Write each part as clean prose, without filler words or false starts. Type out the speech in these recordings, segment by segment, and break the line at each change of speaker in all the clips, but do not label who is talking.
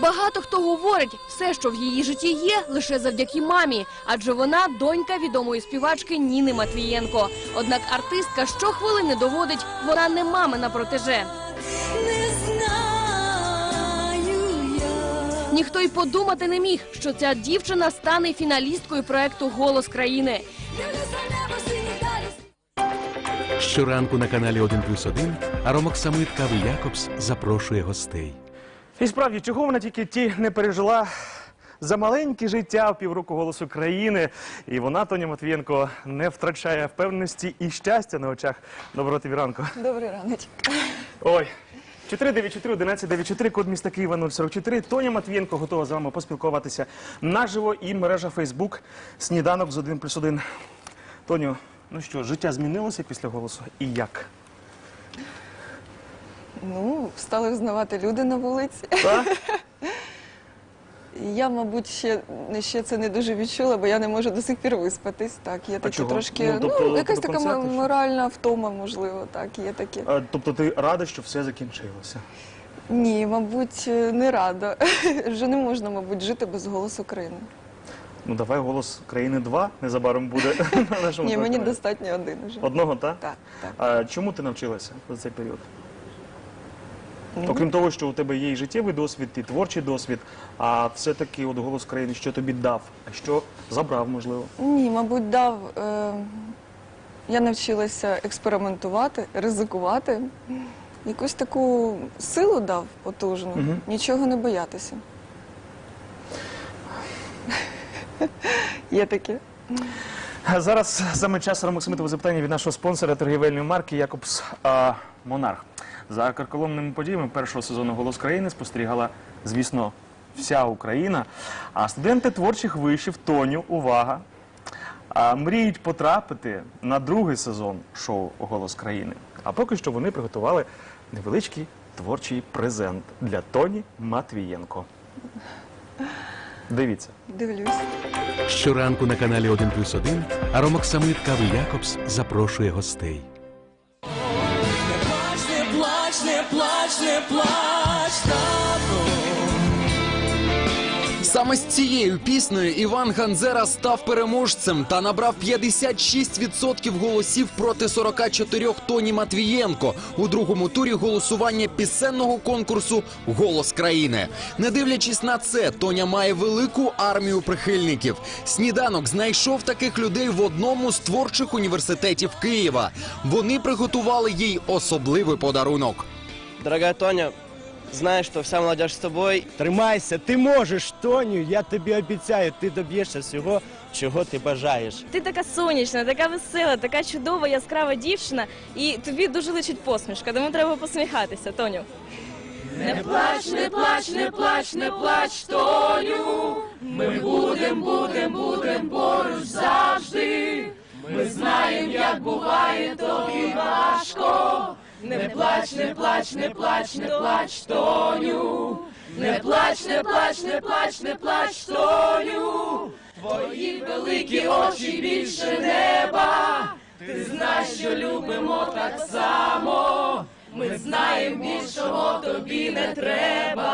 Багато хто говорить, все, що в її житті є, лише завдяки мамі, адже вона донька відомої співачки Ніни Матвієнко. Однак артистка щохвилини доводить, вона не мамина протеже. Ніхто й подумати не міг, що ця дівчина стане фіналісткою проекту «Голос країни».
Щоранку на каналі 1+1 Аромоксамит Кави Якобс запрошує гостей.
І справді, чого вона тільки не пережила за маленьке життя в півроку «Голосу країни». І вона, Тоня Матвієнко, не втрачає впевненості і щастя на очах. Доброго тобі ранку.
Добрий раночок.
Ой. 494-1194, код міста Києва 044. Тоня Матвієнко готова з вами поспілкуватися наживо і мережа Фейсбук «Сніданок з 1+1». Тоню, ну що, життя змінилося після «Голосу» і як?
Ну, стали взнавати люди на вулиці.
Так?
Я, мабуть, ще це не дуже відчула, бо я не можу до сих пір виспатись. Так, є такі
чого?
трошки,
Ну, тобто,
якась
до
така
концерту, що?
моральна втома, можливо, так, є таке.
Тобто ти рада, що все закінчилося?
Ні, мабуть, не рада. Вже не можна, мабуть, жити без «Голосу країни».
Ну давай «Голос країни 2» незабаром буде на нашому
Ні, мені
телеканалі.
достатньо один вже.
Одного, так?
Так, так.
А чому ти навчилася за цей період? Окрім того, що у тебе є і життєвий досвід, і творчий досвід, а все-таки от «Голос країни» що тобі дав, а що забрав, можливо?
Ні, мабуть, дав. Я навчилася експериментувати, ризикувати. Якусь таку силу дав потужну, нічого не боятися. Є таке.
Зараз саме час Аромоксамитове запитання від нашого спонсора торгівельної марки «Якобс Монарх». За карколомними подіями першого сезону «Голос країни» спостерігала, звісно, вся Україна. А студенти творчих вишів Тоню, увага, мріють потрапити на другий сезон шоу «Голос країни». А поки що вони приготували невеличкий творчий презент для Тоні Матвієнко. Дивіться.
Дивлюсь.
Щоранку на каналі 1+1 Аромоксамит Кави Якобс запрошує гостей.
Не плач, не плач, не плач, тату.
Саме з цією піснею Іван Ганзера став переможцем та набрав 56% голосів проти 44 Тоні Матвієнко у другому турі голосування пісенного конкурсу «Голос країни». Не дивлячись на це, Тоня має велику армію прихильників. «Сніданок» знайшов таких людей в одному з творчих університетів Києва. Вони приготували їй особливий подарунок.
Дорогая Тоня, знаю, що вся молодежь з тобою.
Тримайся, ти можеш, Тоню, я тобі обіцяю, ти доб'єшся всього, чого ти бажаєш.
Ти така сонячна, така весела, така чудова, яскрава дівчина, і тобі дуже личить посмішка, тому треба посміхатися, Тоню.
Не плач, не плач, не плач, не плач, Тоню. Ми будем поруч завжди. Ми знаємо, як буває тобі важко. Не плач, не плач, не плач, не плач, Тоню. Не плач, не плач, не плач, не плач, Тоню. Твої великі очі більше неба. Ти знаєш, що любимо так само. Ми знаємо, більшого тобі не треба.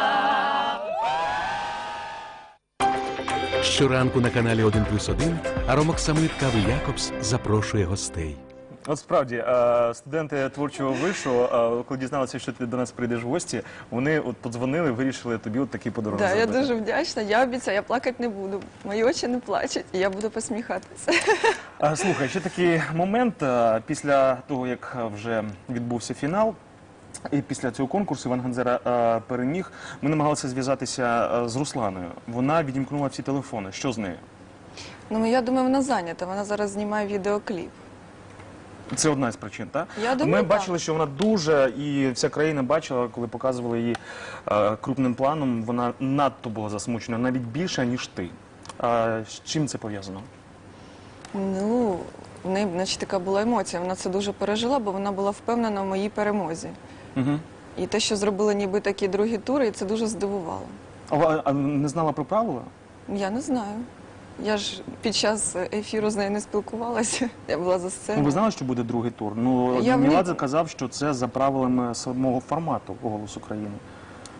Щоранку на каналі 1+1 Аромоксамит Кави Якобс запрошує гостей.
От справді, студенти творчого вишу, коли дізналися, що ти до нас прийдеш в гості, вони от подзвонили, вирішили тобі от такий подарунок
Так, я
зробити.
дуже вдячна. Я обіцяю, я плакати не буду. Мої очі не плачуть, і я буду посміхатися.
Слухай, ще такий момент, після того, як вже відбувся фінал, і після цього конкурсу Іван Ганзера переміг, ми намагалися зв'язатися з Русланою. Вона відімкнула всі телефони. Що з нею?
Ну, я думаю, вона зайнята. Вона зараз знімає відеокліп.
Це одна з причин, так?
Я думаю,
Ми
так.
бачили, що вона дуже, і вся країна бачила, коли показували її крупним планом, вона надто була засмучена, навіть більше, ніж ти. З чим це пов'язано?
Ну, в неї, значить, така була емоція. Вона це дуже пережила, бо вона була впевнена в моїй перемозі.
Угу.
І те, що зробили ніби такі другі тури, і це дуже здивувало.
А не знала про правила?
Я не знаю. Я ж під час ефіру з нею не спілкувалася. Я була за сценою.
Ну, ви знали, що буде другий тур? Ну,
Я
Меладзе казав, що це за правилами самого формату «Голос України».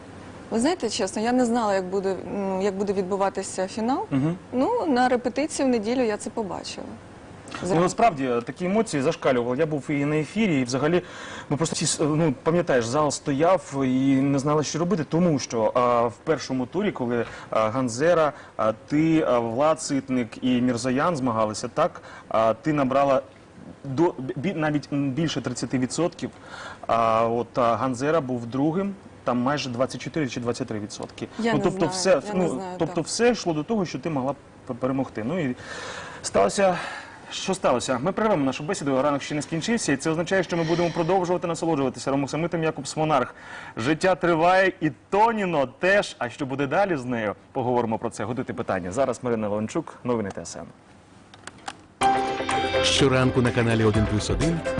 Ви знаєте, чесно, я не знала, як буде відбуватися фінал. Ну, на репетиції в неділю я це побачила.
Ну, насправді такі емоції зашкалювали. Я був і на ефірі, і взагалі, ну просто всі, ну, пам'ятаєш, зал стояв і не знали, що робити, тому що в першому турі, коли Ганзера, ти, Влад Ситник і Мірзоян змагалися, так, ти набрала навіть більше 30%, от Ганзера був другим. Там майже 24 чи 23%.
Я не
тобто
знаю,
тобто все йшло до того, що ти могла перемогти. Ну і сталося. Що сталося? Ми перервемо нашу бесіду, ранок ще не скінчився, і це означає, що ми будемо продовжувати насолоджуватися Ромоксамитом Якобс Монарх. Життя триває, і Тоніно теж. А що буде далі з нею? Поговоримо про це. Готуйте питання. Зараз Марина Леончук, новини ТСН.
Щоранку на каналі 1+1